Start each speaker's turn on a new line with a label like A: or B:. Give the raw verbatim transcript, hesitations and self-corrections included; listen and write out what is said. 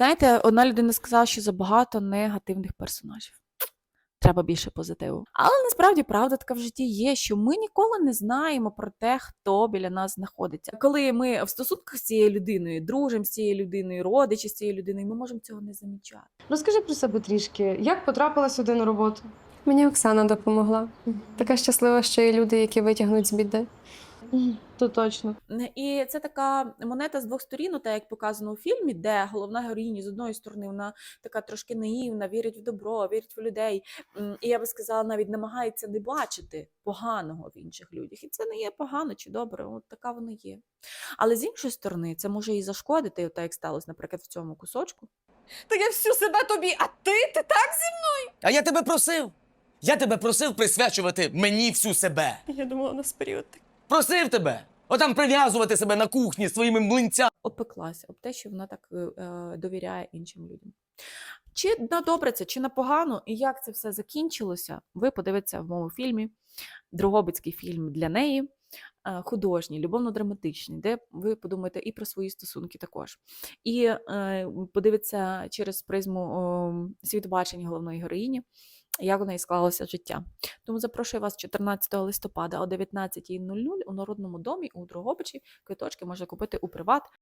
A: Знаєте, одна людина сказала, що забагато негативних персонажів. Треба більше позитиву. Але насправді правда така в житті є, що ми ніколи не знаємо про те, хто біля нас знаходиться. Коли ми в стосунках з цією людиною, дружимо з цією людиною, родичі з цією людиною, ми можемо цього не замічати.
B: Розкажи про себе трішки. Як потрапила сюди на роботу?
C: Мені Оксана допомогла. Така щаслива, що є люди, які витягнуть з біди.
B: То точно.
A: І це така монета з двох сторін, так як показано у фільмі, де головна героїня з одної сторони вона така трошки наївна, вірить в добро, вірить в людей. І я би сказала, навіть намагається не бачити поганого в інших людях. І це не є погано чи добре, от така вона є. Але з іншої сторони, це може і зашкодити, так як сталося, наприклад, в цьому кусочку.
D: Та я всю себе тобі, а ти, ти так зі
E: А я тебе просив. Я тебе просив присвячувати мені всю себе.
D: Я думала, у нас період такий.
E: Просив тебе. Отам прив'язувати себе на кухні своїми млинцями.
A: Опеклася об те, що вона так е, довіряє іншим людям. Чи на добре це, чи на погано, і як це все закінчилося, ви подивитеся в моєму фільмі, Дрогобицький фільм для неї, е, художній, любовно-драматичний, де ви подумаєте і про свої стосунки також. І е, подивитеся через призму е, світобачення головної героїні, як у неї склалося життя. Тому запрошую вас чотирнадцятого листопада о дев'ятнадцятій нуль нуль у Народному домі у Дрогобичі. Квиточки можна купити у Приват.